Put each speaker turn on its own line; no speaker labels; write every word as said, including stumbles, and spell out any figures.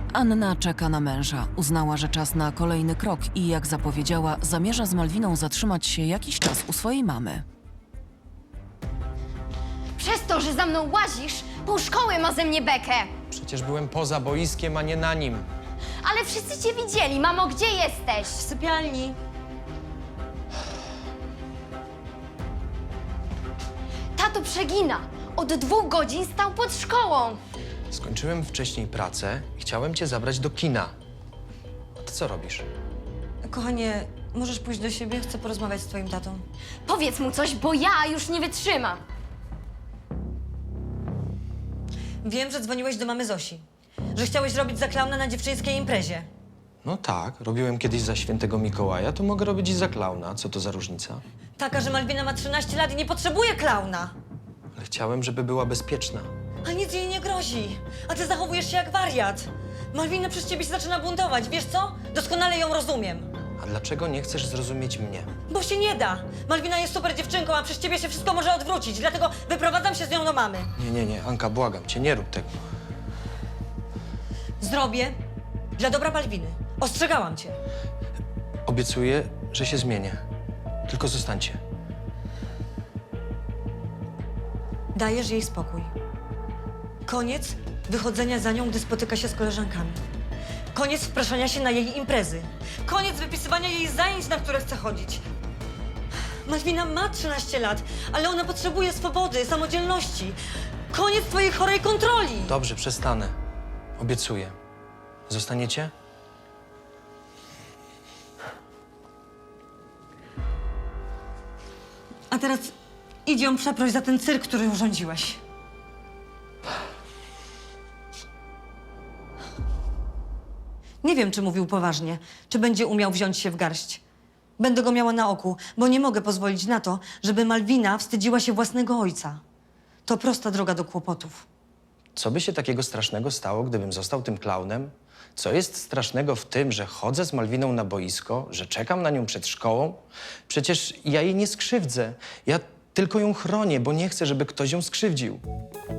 Anna czeka na męża. Uznała, że czas na kolejny krok i jak zapowiedziała, zamierza z Malwiną zatrzymać się jakiś czas u swojej mamy.
Przez to, że za mną łazisz, pół szkoły ma ze mnie bekę.
Przecież byłem poza boiskiem, a nie na nim.
Ale wszyscy cię widzieli. Mamo, gdzie jesteś?
W sypialni.
Tato przegina. Od dwóch godzin stał pod szkołą.
Skończyłem wcześniej pracę i chciałem cię zabrać do kina. A ty co robisz?
Kochanie, możesz pójść do siebie? Chcę porozmawiać z twoim tatą.
Powiedz mu coś, bo ja już nie wytrzymam.
Wiem, że dzwoniłeś do mamy Zosi. Że chciałeś robić za klauna na dziewczyńskiej imprezie.
No tak, robiłem kiedyś za świętego Mikołaja, to mogę robić i za klauna. Co to za różnica?
Taka, że Malwina ma trzynaście lat i nie potrzebuje klauna.
Ale chciałem, żeby była bezpieczna.
A nic jej nie grozi. A ty zachowujesz się jak wariat. Malwina przez ciebie się zaczyna buntować. Wiesz co? Doskonale ją rozumiem.
A dlaczego nie chcesz zrozumieć mnie?
Bo się nie da. Malwina jest super dziewczynką, a przez ciebie się wszystko może odwrócić. Dlatego wyprowadzam się z nią do mamy.
Nie, nie, nie, Anka, błagam cię, nie rób tego.
Zrobię dla dobra Malwiny. Ostrzegałam cię.
Obiecuję, że się zmienię. Tylko zostańcie.
Dajesz jej spokój. Koniec wychodzenia za nią, gdy spotyka się z koleżankami. Koniec wpraszania się na jej imprezy. Koniec wypisywania jej zajęć, na które chce chodzić. Malwina ma trzynaście lat, ale ona potrzebuje swobody, samodzielności. Koniec twojej chorej kontroli.
Dobrze, przestanę. Obiecuję. Zostaniecie?
A teraz idź ją przeproś za ten cyrk, który urządziłeś. Nie wiem, czy mówił poważnie, czy będzie umiał wziąć się w garść. Będę go miała na oku, bo nie mogę pozwolić na to, żeby Malwina wstydziła się własnego ojca. To prosta droga do kłopotów.
Co by się takiego strasznego stało, gdybym został tym klaunem? Co jest strasznego w tym, że chodzę z Malwiną na boisko, że czekam na nią przed szkołą? Przecież ja jej nie skrzywdzę. Ja tylko ją chronię, bo nie chcę, żeby ktoś ją skrzywdził.